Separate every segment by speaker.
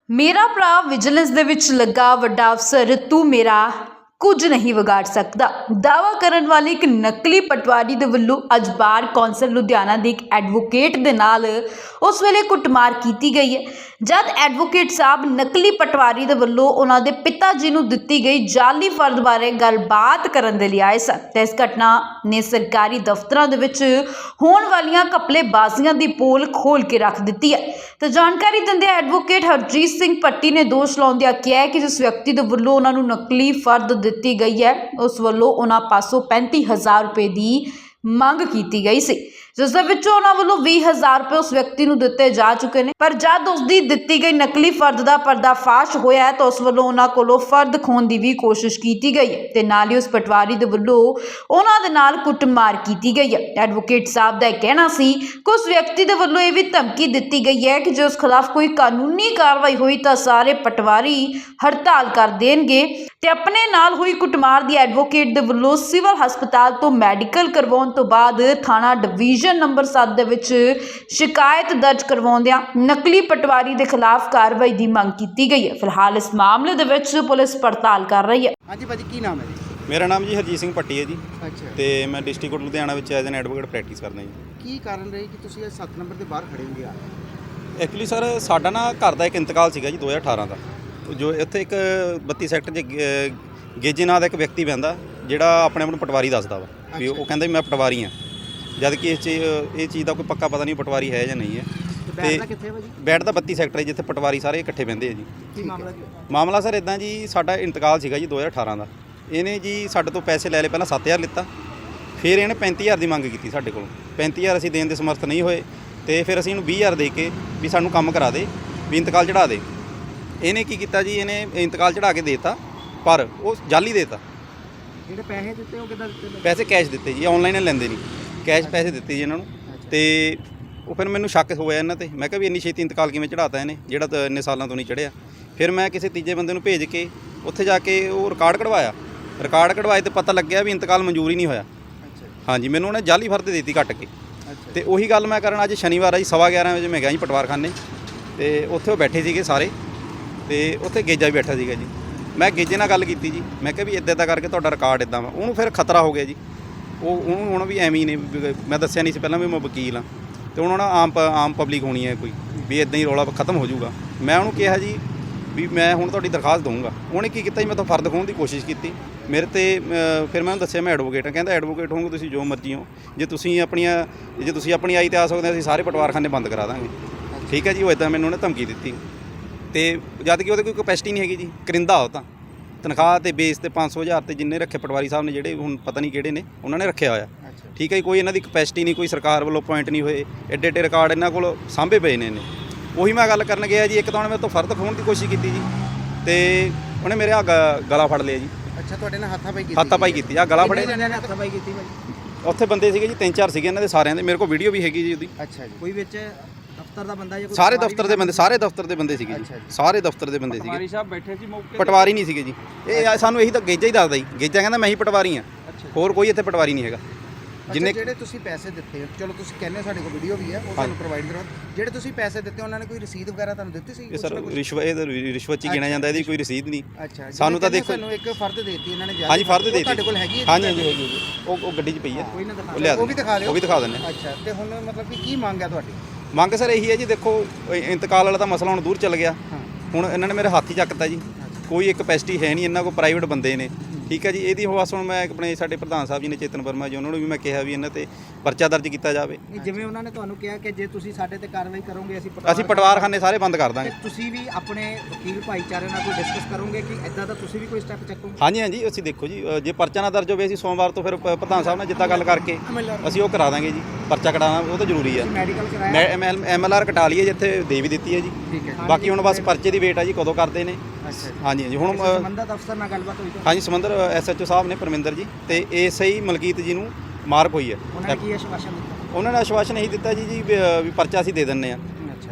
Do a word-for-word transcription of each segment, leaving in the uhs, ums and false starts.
Speaker 1: मेरा भरा विजिलेंस दे विच लगा वड्डा अफसर तू मेरा कुछ नहीं विगाड़ सकता दावा करन वाले एक नकली पटवारी दे वल्लों अज बार कौंसल लुधियाना दे एक एडवोकेट दे नाल उस वेले कुटमार कीती गई है जद एडवोकेट साहब नकली पटवारी दे वल्लों उन्हां दे पिता जी नूं दित्ती गई जाली फर्द बारे गलबात करन दे लई आए सन ते इस घटना ने सरकारी दफ्तरां दे विच होण वालीआं घपलेबाज़ियां दी पोल खोल के रख दित्ती है तो जानकारी दिंदे एडवोकेट हरजीत सिंह भट्टी ने दोष लाउंदिआं कहा कि जिस व्यक्ति दे वल्लों उन्हां नूं नकली फर्द दित्ती गई है उस वल्लों उन्हां पासों पैंती हज़ार रुपए की मंग की गई सी जिस दे विचों उन्हां वल्लों बीस हज़ार रुपए उस व्यक्ति नूं दित्ते जा चुके हैं पर जद उसकी दित्ती गई नकली फर्द का पर्दाफाश होया है तो उस वल्लों उन्हां कोलों फर्द खोण की भी कोशिश की गई है ते नाल ही उस पटवारी दे वल्लों उन्हां दे नाल कुटमार की गई है। एडवोकेट साहब का कहना सी कि उस व्यक्ति दे वल्लों यह भी धमकी दी गई है कि जो उस खिलाफ कोई कानूनी कार्रवाई हुई तो सारे पटवारी हड़ताल कर देंगे ते अपने नाल हुई कुटमार दी एडवोकेट दे वल्लों सिविल हस्पताल तो मैडिकल करवाउण तो बाद थाना डिवीजन नंबर सात दे विच शिकायत दर्ज करवाउंदिआं नकली पटवारी दे खिलाफ कार्रवाई की मंग की गई है। फिलहाल इस मामले दे विच पुलिस पड़ताल कर रही है।
Speaker 2: हाँ जी भाजी की नाम है जी?
Speaker 3: मेरा नाम जी हरजीत ਸਿੰਘ ਭੱਟੀ ਹੈ ਜੀ।
Speaker 2: ਅੱਛਾ
Speaker 3: ਤੇ ਮੈਂ ਡਿਸਟ੍ਰਿਕਟ ਕੋਰਟ ਲੁਧਿਆਣਾ ਵਿੱਚ ਐਜ਼ ਐਨ ਐਡਵੋਕੇਟ ਪ੍ਰੈਕਟਿਸ ਕਰਦਾ ਜੀ।
Speaker 2: ਕੀ ਕਾਰਨ ਰਹੀ ਕਿ ਤੁਸੀਂ ਇਹ ਸੱਤ ਨੰਬਰ ਦੇ ਬਾਹਰ ਖੜੇ ਹੋ ਗਿਆ?
Speaker 3: ਐਕਚੁਅਲੀ ਸਰ ਸਾਡਾ ਨਾ ਘਰ ਦਾ ਇੱਕ ਇੰਤਕਾਲ ਸੀਗਾ ਜੀ ਦੋ ਹਜ਼ਾਰ ਅਠਾਰਾਂ ਦਾ ਜੋ ਇੱਥੇ ਇੱਕ ਬੱਤੀ ਸੈਕਟਰ 'ਚ ਗੇ- ਗੇਜੇ ਨਾਂ ਦਾ ਇੱਕ ਵਿਅਕਤੀ ਬਹਿੰਦਾ ਜਿਹੜਾ ਆਪਣੇ ਆਪ ਨੂੰ ਪਟਵਾਰੀ ਦੱਸਦਾ ਵਾ ਵੀ ਉਹ ਕਹਿੰਦਾ ਵੀ ਮੈਂ ਪਟਵਾਰੀ ਹਾਂ ਜਦ ਕਿ ਇਸ ਚੀਜ਼ ਇਹ ਚੀਜ਼ ਦਾ ਕੋਈ ਪੱਕਾ ਪਤਾ ਨਹੀਂ ਪਟਵਾਰੀ ਹੈ ਜਾਂ ਨਹੀਂ ਹੈ।
Speaker 2: ਬੈਠਦਾ ਕਿੱਥੇ ਭਾਜੀ?
Speaker 3: ਬੈਠ ਦਾ ਬੱਤੀ ਸੈਕਟਰ ਹੈ ਜਿੱਥੇ ਪਟਵਾਰੀ ਸਾਰੇ ਇਕੱਠੇ ਬਹਿੰਦੇ ਆ ਜੀ।
Speaker 2: ਕੀ ਮਾਮਲਾ ਕੀ?
Speaker 3: ਮਾਮਲਾ ਸਰ ਇਦਾਂ ਜੀ ਸਾਡਾ ਇੰਤਕਾਲ ਸੀਗਾ ਜੀ ਦੋ ਹਜ਼ਾਰ ਅਠਾਰਾਂ ਦਾ ਇਹਨੇ ਜੀ ਸਾਡੇ ਤੋਂ ਪੈਸੇ ਲੈ ਲਏ ਪਹਿਲਾਂ ਸੱਤ ਹਜ਼ਾਰ ਲਿੱਤਾ ਫਿਰ ਇਹਨੇ ਪੈਂਤੀ ਹਜ਼ਾਰ ਦੀ ਮੰਗ ਕੀਤੀ ਸਾਡੇ ਕੋਲੋਂ ਪੈਂਤੀ ਹਜ਼ਾਰ ਅਸੀਂ ਦੇਣ ਦੇ ਸਮਰਥ ਨਹੀਂ ਹੋਏ ਤੇ ਫਿਰ ਅਸੀਂ ਇਹਨੂੰ ਵੀਹ ਹਜ਼ਾਰ ਦੇ ਕੇ ਵੀ ਸਾਨੂੰ ਕੰਮ ਕਰਾ ਦੇ ਵੀ ਇੰਤਕਾਲ ਚੜਾ ਦੇ। ਇਹਨੇ ਕੀ ਕੀਤਾ ਜੀ ਇਹਨੇ ਇੰਤਕਾਲ ਚੜਾ ਕੇ ਦੇਤਾ ਪਰ ਉਹ ਜਾਲੀ ਦੇਤਾ।
Speaker 2: ਜਿਹੜੇ ਪੈਸੇ ਦਿੱਤੇ ਉਹ ਕਿੱਦਾਂ ਦਿੱਤੇ?
Speaker 3: ਪੈਸੇ ਕੈਸ਼ ਦਿੱਤੇ ਜੀ ਆਨਲਾਈਨ ਲੈਂਦੇ ਨਹੀਂ ਕੈਸ਼ ਪੈਸੇ ਦਿੱਤੇ ਜੀ ਇਹਨਾਂ ਨੂੰ ਤੇ ਉਹ ਫਿਰ ਮੈਨੂੰ ਸ਼ੱਕ ਹੋਇਆ ਇਹਨਾਂ ਤੇ ਮੈਂ ਕਿਹਾ ਵੀ ਇੰਨੀ ਛੇਤੀ ਇੰਤਕਾਲ ਕਿਵੇਂ ਚੜਾਤਾ ਇਹਨੇ ਜਿਹੜਾ ਤਾਂ ਇੰਨੇ ਸਾਲਾਂ ਤੋਂ ਨਹੀਂ ਚੜਿਆ। ਫਿਰ ਮੈਂ ਕਿਸੇ ਤੀਜੇ ਬੰਦੇ ਨੂੰ ਭੇਜ ਕੇ ਉੱਥੇ ਜਾ ਕੇ ਉਹ ਰਿਕਾਰਡ ਕਢਵਾਇਆ ਰਿਕਾਰਡ ਕਢਵਾਏ ਤੇ ਪਤਾ ਲੱਗਿਆ ਵੀ ਇੰਤਕਾਲ ਮਨਜ਼ੂਰ ਹੀ ਨਹੀਂ ਹੋਇਆ। ਹਾਂਜੀ ਮੈਨੂੰ ਉਹਨੇ ਜਾਲੀ ਫਰਦ ਦੇ ਦਿੱਤੀ ਕੱਟ ਕੇ ਤੇ ਉਹੀ ਗੱਲ ਮੈਂ ਕਰਨ ਅੱਜ ਸ਼ਨੀਵਾਰ ਆ ਜੀ ਸਵਾ ਗਿਆਰਾਂ ਵਜੇ ਮੈਂ ਗਿਆ ਜੀ ਪਟਵਾਰਖਾਨੇ ਤੇ ਉੱਥੇ ਉਹ ਬੈਠੇ ਸੀਗੇ ਸਾਰੇ ਤੇ ਉੱਥੇ ਗੇਜਾ ਵੀ ਬੈਠਾ ਸੀਗਾ ਜੀ। ਮੈਂ ਗੇਜੇ ਨਾਲ ਗੱਲ ਕੀਤੀ ਜੀ ਮੈਂ ਕਿਹਾ ਵੀ ਇੱਦਾਂ ਇੱਦਾਂ ਕਰਕੇ ਤੁਹਾਡਾ ਰਿਕਾਰਡ ਇੱਦਾਂ ਵਾ ਉਹਨੂੰ ਫਿਰ ਖਤਰਾ ਹੋ ਗਿਆ ਜੀ ਉਹ ਉਹਨੂੰ ਹੁਣ ਵੀ ਐਵੇਂ ਹੀ ਨੇ ਮੈਂ ਦੱਸਿਆ ਨਹੀਂ ਸੀ ਪਹਿਲਾਂ ਵੀ ਮੈਂ ਵਕੀਲ ਹਾਂ ਤੇ ਉਹਨਾਂ ਨਾਲ ਆਮ ਆਮ ਪਬਲਿਕ ਹੋਣੀ ਹੈ ਕੋਈ ਵੀ ਇੱਦਾਂ ਹੀ ਰੌਲਾ ਖਤਮ ਹੋ ਜਾਊਗਾ। ਮੈਂ ਉਹਨੂੰ ਕਿਹਾ ਜੀ ਵੀ ਮੈਂ ਹੁਣ ਤੁਹਾਡੀ ਦਰਖਾਸਤ ਦਊਂਗਾ। ਉਹਨੇ ਕੀ ਕੀਤਾ ਜੀ ਮੈਂ ਤਾਂ ਫਰਦ ਖੋਹਣ ਦੀ ਕੋਸ਼ਿਸ਼ ਕੀਤੀ ਮੇਰੇ ਤੇ ਫਿਰ ਮੈਂ ਉਹਨੂੰ ਦੱਸਿਆ ਮੈਂ ਐਡਵੋਕੇਟ ਹਾਂ ਕਹਿੰਦਾ ਐਡਵੋਕੇਟ ਹੋਊਂਗੇ ਤੁਸੀਂ ਜੋ ਮਰਜ਼ੀ ਹੋ ਜੇ ਤੁਸੀਂ ਆਪਣੀਆਂ ਜੇ ਤੁਸੀਂ ਆਪਣੀ ਆਈ ਤੇ ਆ ਸਕਦੇ ਅਸੀਂ ਸਾਰੇ ਪਟਵਾਰਖਾਨੇ ਬੰਦ ਕਰਾ ਦਾਂਗੇ ਠੀਕ ਹੈ ਜੀ। ਉਹ ਇੱਦਾਂ ਮੈਨੂੰ ਉਹਨੇ ਧਮਕੀ ਦਿੱਤੀ ਤੇ ਜਦ ਕਿ ਉਹਦੇ ਕੋਈ ਕਪੈਸਿਟੀ ਨਹੀਂ ਹੈਗੀ ਜੀ ਕਰਿੰਦਾ ਉਹ ਤਾਂ ਤਨਖਾਹ ਤੇ ਬੇਸ ਤੇ ਪੰਜ ਸੌ ਹਜ਼ਾਰ ਤੇ ਜਿੰਨੇ ਰੱਖੇ ਪਟਵਾਰੀ ਸਾਹਿਬ ਨੇ ਜਿਹੜੇ ਹੁਣ ਪਤਾ ਨਹੀਂ ਕਿਹੜੇ ਨੇ ਉਹਨਾਂ ਨੇ ਰੱਖਿਆ ਹੋਇਆ ਠੀਕ ਹੈ ਜੀ। ਕੋਈ ਇਹਨਾਂ ਦੀ ਕਪੈਸਿਟੀ ਨਹੀਂ ਕੋਈ ਸਰਕਾਰ ਵੱਲੋਂ ਪੁਆਇੰਟ ਨਹੀਂ ਹੋਏ ਐਡੇ ਐਡੇ ਰਿਕਾਰਡ ਇਹਨਾਂ ਕੋਲ ਸਾਂਭੇ ਪਏ ਨੇ ਇਹਨੇ। ਉਹੀ ਮੈਂ ਗੱਲ ਕਰਨ ਗਿਆ ਜੀ ਇੱਕ ਤਾਂ ਉਹਨੇ ਮੇਰੇ ਤੋਂ ਫਰਦ ਖੋਹਣ ਦੀ ਕੋਸ਼ਿਸ਼ ਕੀਤੀ ਜੀ ਤੇ ਉਹਨੇ ਮੇਰੇ ਆ ਗਲਾ ਫੜ ਲਿਆ ਜੀ।
Speaker 2: ਅੱਛਾ ਤੁਹਾਡੇ ਨਾਲ ਹੱਥਾਪਾਈ ਕੀਤੀ?
Speaker 3: ਹੱਥਾਪਾਈ ਕੀਤੀ ਆ ਗਲਾ ਫੜੇ
Speaker 2: ਹੱਥਾਪਾਈ ਕੀਤੀ ਭਾਜੀ?
Speaker 3: ਉੱਥੇ ਬੰਦੇ ਸੀਗੇ ਜੀ ਤਿੰਨ ਚਾਰ ਸੀਗੇ ਇਹਨਾਂ ਦੇ ਸਾਰਿਆਂ ਦੇ ਮੇਰੇ ਕੋਲ ਵੀਡੀਓ ਵੀ ਹੈਗੀ ਜੀ ਉਹਦੀ।
Speaker 2: ਅੱਛਾ ਜੀ ਕੋਈ ਵਿੱਚ ਦਫ਼ਤਰ ਦਾ ਬੰਦਾ ਜਾਂ ਕੋਈ?
Speaker 3: ਸਾਰੇ ਦਫ਼ਤਰ ਦੇ ਬੰਦੇ ਸਾਰੇ ਦਫ਼ਤਰ ਦੇ ਬੰਦੇ ਸੀਗੇ ਜੀ ਸਾਰੇ ਦਫ਼ਤਰ ਦੇ ਬੰਦੇ ਸੀਗੇ।
Speaker 2: ਪਟਵਾਰੀ ਸਾਹਿਬ ਬੈਠੇ ਸੀ ਮੌਕੇ?
Speaker 3: ਪਟਵਾਰੀ ਨਹੀਂ ਸੀਗੇ ਜੀ ਇਹ ਸਾਨੂੰ ਇਹੀ ਤਾਂ ਗੇਜਾ ਹੀ ਦੱਸਦਾ ਜੀ ਗੇਜਾ ਕਹਿੰਦਾ ਮੈਂ ਹੀ ਪਟਵਾਰੀ ਹਾਂ ਹੋਰ ਕੋਈ ਇੱਥੇ ਪਟਵਾਰੀ ਨਹੀਂ ਹੈਗਾ।
Speaker 2: ਜਿੰਨੇ ਜਿਹੜੇ ਤੁਸੀਂ ਪੈਸੇ ਦਿੱਤੇ ਚਲੋ ਤੁਸੀਂ ਕਹਿੰਦੇ ਹੋ ਸਾਡੇ ਕੋਲ ਵੀਡੀਓ ਵੀ ਹੈ ਉਹ ਤੁਹਾਨੂੰ ਪ੍ਰੋਵਾਈਡ ਕਰਵਾ ਜਿਹੜੇ ਤੁਸੀਂ ਪੈਸੇ ਦਿੱਤੇ ਉਹਨਾਂ ਨੇ ਕੋਈ ਰਸੀਦ ਵਗੈਰਾ ਤੁਹਾਨੂੰ ਦਿੱਤੀ ਸੀ?
Speaker 3: ਇਹ ਸਰ ਰਿਸ਼ਵਤ ਇਹ ਰਿਸ਼ਵਤ 'ਚ ਹੀ ਗਿਣਿਆ ਜਾਂਦਾ ਇਹਦੀ ਕੋਈ ਰਸੀਦ ਨਹੀਂ।
Speaker 2: ਅੱਛਾ
Speaker 3: ਸਾਨੂੰ ਤਾਂ ਦੇਖੋ
Speaker 2: ਤੁਹਾਨੂੰ ਇੱਕ ਫਰਦ ਦੇ ਦਿੱਤੀ ਇਹਨਾਂ ਨੇ
Speaker 3: ਹਾਂਜੀ ਫਰਦ ਦੇ ਦਿੱਤੀ
Speaker 2: ਤੁਹਾਡੇ ਕੋਲ ਹੈਗੀ ਹੈ?
Speaker 3: ਹਾਂਜੀ ਹਾਂਜੀ ਹੈਗੀ ਜੀ ਉਹ ਉਹ ਗੱਡੀ 'ਚ ਪਈ ਹੈ
Speaker 2: ਕੋਈ ਨਾ
Speaker 3: ਉਹ ਲਿਆ
Speaker 2: ਉਹ ਵੀ ਦਿਖਾ ਦਿਓ
Speaker 3: ਉਹ ਵੀ ਦਿਖਾ ਦਿੰਦੇ।
Speaker 2: ਅੱਛਾ ਤੇ ਹੁਣ ਮਤਲਬ ਕਿ ਕੀ ਮੰਗ ਹੈ ਤੁਹਾਡੀ?
Speaker 3: ਮੰਗ ਸਰ ਇਹੀ ਹੈ ਜੀ ਦੇਖੋ ਇੰਤਕਾਲ ਵਾਲਾ ਤਾਂ ਮਸਲਾ ਹੁਣ ਦੂਰ ਚੱਲ ਗਿਆ ਹੁਣ ਇਹਨਾਂ ਨੇ ਮੇਰੇ ਹੱਥ ਹੀ ਚੱਕਤਾ ਜੀ ਕੋਈ ਇੱਕ ਕਪੈਸਿਟੀ ਹੈ ਨਹੀਂ ਇਹਨਾਂ ਕੋਲ ਪ੍ਰਾਈਵੇਟ ਬੰਦੇ ਨੇ ਠੀਕ ਹੈ ਜੀ। ਇਹਦੀ ਬਸ ਹੁਣ ਮੈਂ ਆਪਣੇ ਸਾਡੇ ਪ੍ਰਧਾਨ ਸਾਹਿਬ ਜੀ ਨੇ ਚੇਤਨ ਵਰਮਾ ਜੀ ਉਹਨਾਂ ਨੂੰ ਵੀ ਮੈਂ ਕਿਹਾ ਵੀ ਇਹਨਾਂ ਤੇ ਪਰਚਾ ਦਰਜ ਕੀਤਾ ਜਾਵੇ।
Speaker 2: ਜਿਵੇਂ ਉਹਨਾਂ ਨੇ ਤੁਹਾਨੂੰ ਕਿਹਾ ਕਿ ਜੇ ਤੁਸੀਂ ਸਾਡੇ ਤੇ ਕਾਰਵਾਈ ਕਰੋਗੇ ਅਸੀਂ
Speaker 3: ਅਸੀਂ ਪਟਵਾਰਖਾਨੇ ਸਾਰੇ ਬੰਦ ਕਰ ਦਾਂਗੇ।
Speaker 2: ਤੁਸੀਂ ਵੀ ਆਪਣੇ ਵਕੀਲ ਭਾਈਚਾਰੇ ਨਾਲ ਕੋਈ ਡਿਸਕਸ ਕਰੋਗੇ ਕਿ ਇਦਾਂ ਦਾ ਤੁਸੀਂ ਵੀ ਕੋਈ ਸਟੈਪ ਚੱਕੋਗੇ?
Speaker 3: ਹਾਂਜੀ ਹਾਂਜੀ ਅਸੀਂ ਦੇਖੋ ਜੀ ਜੇ ਪਰਚਾ ਨਾ ਦਰਜ ਹੋਵੇ ਅਸੀਂ ਸੋਮਵਾਰ ਤੋਂ ਫਿਰ ਪ੍ਰਧਾਨ ਸਾਹਿਬ ਨਾਲ ਜਿੱਦਾਂ ਗੱਲ ਕਰਕੇ ਅਸੀਂ ਉਹ ਕਰਾ ਦਾਂਗੇ ਜੀ ਪਰਚਾ ਕਢਾਉਣਾ ਉਹ ਤਾਂ ਜ਼ਰੂਰੀ ਹੈ।
Speaker 2: ਮੈਡੀਕਲ ਕਰਾਇਆ
Speaker 3: ਐਮ ਐਲ ਆਰ ਕਟਾ ਲਈ ਹੈ ਜਿੱਥੇ ਦੇ ਵੀ ਦਿੱਤੀ ਹੈ ਜੀ ਬਾਕੀ ਹੁਣ ਬਸ ਪਰਚੇ ਦੀ ਵੇਟ ਆ ਜੀ ਕਦੋਂ ਕਰਦੇ ਨੇ। ਹਾਂਜੀ ਹਾਂਜੀ ਹੁਣ
Speaker 2: ਸੰਬੰਧਤ ਅਫਸਰ ਨਾਲ ਗੱਲਬਾਤ ਹੋਈ?
Speaker 3: ਹਾਂਜੀ ਸਮੁੰਦਰ ਐਸ ਐਚ ਓ ਸਾਹਿਬ ਨੇ ਪਰਮਿੰਦਰ ਜੀ ਤੇ ਏਐਸਆਈ ਮਲਕੀਤ ਜੀ ਨੂੰ ਮਾਰਕ ਹੋਈ ਹੈ।
Speaker 2: ਉਹਨਾਂ ਨੇ ਕੀ ਆਸ਼ਵਾਸਨ ਦਿੱਤਾ?
Speaker 3: ਉਹਨਾਂ ਨੇ ਆਸ਼ਵਾਸਨ ਇਹੀ ਦਿੱਤਾ ਜੀ ਜੀ ਵੀ ਪਰਚਾ ਅਸੀਂ ਦੇ ਦਿੰਦੇ ਆ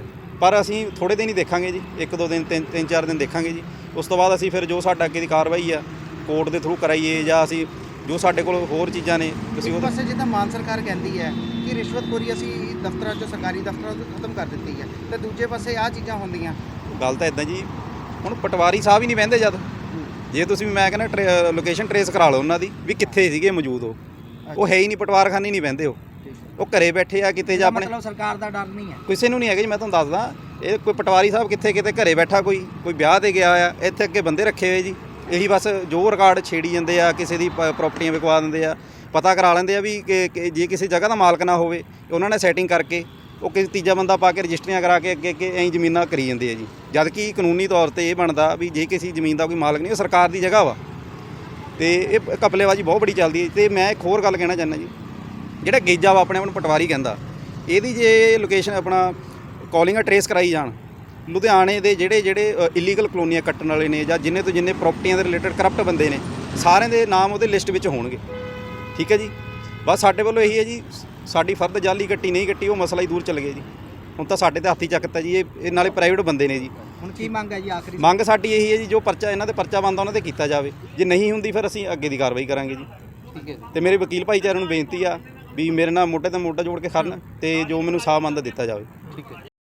Speaker 3: ਪਰ ਅਸੀਂ ਥੋੜ੍ਹੇ ਦਿਨ ਹੀ ਦੇਖਾਂਗੇ ਜੀ ਇੱਕ ਦੋ ਦਿਨ ਤਿੰਨ ਤਿੰਨ ਚਾਰ ਦਿਨ ਦੇਖਾਂਗੇ ਜੀ ਉਸ ਤੋਂ ਬਾਅਦ ਅਸੀਂ ਫਿਰ ਜੋ ਸਾਡਾ ਅੱਗੇ ਦੀ ਕਾਰਵਾਈ ਆ ਕੋਰਟ ਦੇ ਥਰੂ ਕਰਾਈਏ ਜਾਂ ਅਸੀਂ ਜੋ ਸਾਡੇ ਕੋਲ ਹੋਰ ਚੀਜ਼ਾਂ ਨੇ ਅਸੀਂ ਉਹ
Speaker 2: ਪਾਸੇ ਜਿੱਦਾਂ ਮਾਨ ਸਰਕਾਰ ਕਹਿੰਦੀ ਹੈ ਕਿ ਰਿਸ਼ਵਤਖੋਰੀ ਅਸੀਂ ਦਫ਼ਤਰਾਂ 'ਚੋਂ ਸਰਕਾਰੀ ਦਫ਼ਤਰਾਂ 'ਚੋਂ ਖਤਮ ਕਰ ਦਿੱਤੀ ਹੈ ਤੇ ਦੂਜੇ ਪਾਸੇ ਆਹ ਚੀਜ਼ਾਂ ਹੁੰਦੀਆਂ
Speaker 3: ਗੱਲ ਤਾਂ ਇਦਾਂ ਜੀ, ਹੁਣ ਪਟਵਾਰੀ ਸਾਹਿਬ ਹੀ ਨਹੀਂ ਬਹਿੰਦੇ ਜਦ, ਜੇ ਤੁਸੀਂ ਮੈਂ ਕਹਿੰਦਾ ਲੋਕੇਸ਼ਨ ਟਰੇਸ ਕਰਾ ਲਓ ਉਹਨਾਂ ਦੀ ਵੀ ਕਿੱਥੇ ਸੀਗੇ ਮੌਜੂਦ ਉਹ ਉਹ ਹੈ ਹੀ ਨਹੀਂ, ਪਟਵਾਰਖਾਨੇ ਨਹੀਂ ਬਹਿੰਦੇ ਉਹ ਉਹ ਘਰੇ ਬੈਠੇ ਆ ਕਿਤੇ ਜਾਂ ਆਪਣੇ,
Speaker 2: ਮਤਲਬ ਸਰਕਾਰ ਦਾ ਡਰ ਨਹੀਂ ਹੈ
Speaker 3: ਕਿਸੇ ਨੂੰ ਨਹੀਂ ਹੈਗਾ ਜੀ। ਮੈਂ ਤੁਹਾਨੂੰ ਦੱਸਦਾ, ਇਹ ਕੋਈ ਪਟਵਾਰੀ ਸਾਹਿਬ ਕਿੱਥੇ ਕਿਤੇ ਘਰੇ ਬੈਠਾ, ਕੋਈ ਕੋਈ ਵਿਆਹ ਤੇ ਗਿਆ ਆ, ਇੱਥੇ ਅੱਗੇ ਬੰਦੇ ਰੱਖੇ ਹੋਏ ਜੀ, ਇਹੀ ਬਸ ਜੋ ਰਿਕਾਰਡ ਛੇੜੀ ਜਾਂਦੇ ਆ, ਕਿਸੇ ਦੀ ਪ੍ਰਾਪਰਟੀਆਂ ਵਿਕਵਾ ਦਿੰਦੇ ਆ, ਪਤਾ ਕਰਾ ਲੈਂਦੇ ਆ ਵੀ ਕਿ ਕਿ ਜੇ ਕਿਸੇ ਜਗ੍ਹਾ ਦਾ ਮਾਲਕ ਨਾ ਹੋਵੇ ਉਹਨਾਂ ਨੇ ਸੈਟਿੰਗ ਕਰਕੇ ਉਹ ਕਿਸੇ ਤੀਜਾ ਬੰਦਾ ਪਾ ਕੇ ਰਜਿਸਟਰੀਆਂ ਕਰਾ ਕੇ ਅੱਗੇ ਅੱਗੇ ਐਂ ਜ਼ਮੀਨਾਂ ਕਰੀ ਜਾਂਦੇ ਆ ਜੀ। ਜਦ ਕਿ ਕਾਨੂੰਨੀ ਤੌਰ ਤੇ ਇਹ ਬਣਦਾ ਵੀ ਜੇ ਕਿਸੇ ਜ਼ਮੀਨ ਦਾ ਕੋਈ ਮਾਲਕ ਨਹੀਂ, ਉਹ ਸਰਕਾਰ ਦੀ ਜਗ੍ਹਾ ਵਾ, ਤੇ ਇਹ ਘਪਲੇਬਾਜ਼ੀ ਬਹੁਤ ਬੜੀ ਚੱਲਦੀ ਹੈ। ਤੇ ਮੈਂ ਇੱਕ ਹੋਰ ਗੱਲ ਕਹਿਣਾ ਚਾਹੁੰਦਾ ਜੀ, ਜਿਹੜਾ ਗੇਜਾ ਵਾ ਆਪਣੇ ਆਪ ਨੂੰ ਪਟਵਾਰੀ ਕਹਿੰਦਾ, ਇਹਦੀ ਜੇ ਲੋਕੇਸ਼ਨ ਆਪਣਾ ਕਾਲਿੰਗਾਂ ਟਰੇਸ ਕਰਾਈ ਜਾਣ, ਲੁਧਿਆਣੇ ਦੇ ਜਿਹੜੇ ਜਿਹੜੇ ਇਲੀਗਲ ਕਲੋਨੀਆਂ ਕੱਟਣ ਵਾਲੇ ਨੇ ਜਾਂ ਜਿੰਨੇ ਤੋਂ ਜਿੰਨੇ ਪ੍ਰਾਪਰਟੀਆਂ ਦੇ ਰਿਲੇਟਡ ਕਰਪਟ ਬੰਦੇ ਨੇ, ਸਾਰਿਆਂ ਦੇ ਨਾਮ ਉਹਦੇ ਲਿਸਟ ਵਿੱਚ ਹੋਣਗੇ। ਠੀਕ ਹੈ ਜੀ, ਬਸ ਸਾਡੇ ਵੱਲੋਂ ਇਹੀ ਹੈ ਜੀ, ਸਾਡੀ ਫਰਦ ਜਾਲੀ ਕੱਟੀ ਨਹੀਂ ਕੱਟੀ ਉਹ ਮਸਲਾ ਹੀ ਦੂਰ ਚੱਲ ਗਿਆ ਜੀ। ਹੁਣ ਤਾਂ ਸਾਡੇ ਤੇ ਹੱਥੀ ਚੱਕਤਾ ਜੀ, ਇਹ ਇਹ ਨਾਲੇ ਪ੍ਰਾਈਵੇਟ ਬੰਦੇ ਨੇ ਜੀ।
Speaker 2: ਹੁਣ ਕੀ ਮੰਗ ਹੈ ਜੀ ਆਖਰੀ?
Speaker 3: ਮੰਗ ਸਾਡੀ ਇਹੀ ਹੈ ਜੀ, ਜੋ ਪਰਚਾ ਇਹਨਾਂ ਦੇ ਪਰਚਾ ਬਣਦਾ ਉਹਨਾਂ ਤੇ ਕੀਤਾ ਜਾਵੇ, ਜੇ ਨਹੀਂ ਹੁੰਦੀ ਫਿਰ ਅਸੀਂ ਅੱਗੇ ਦੀ ਕਾਰਵਾਈ ਕਰਾਂਗੇ ਜੀ।
Speaker 2: ਠੀਕ ਹੈ।
Speaker 3: ਤੇ ਮੇਰੇ ਵਕੀਲ ਭਾਈਚਾਰੇ ਨੂੰ ਬੇਨਤੀ ਆ ਵੀ ਮੇਰੇ ਨਾਲ ਮੋਢੇ ਤੇ ਮੋਢਾ ਜੋੜ ਕੇ ਖੜਨ ਤੇ ਜੋ ਮੈਨੂੰ ਸਾਹ ਮੰਦ ਦਿੱਤਾ ਜਾਵੇ।
Speaker 2: ਠੀਕ ਹੈ।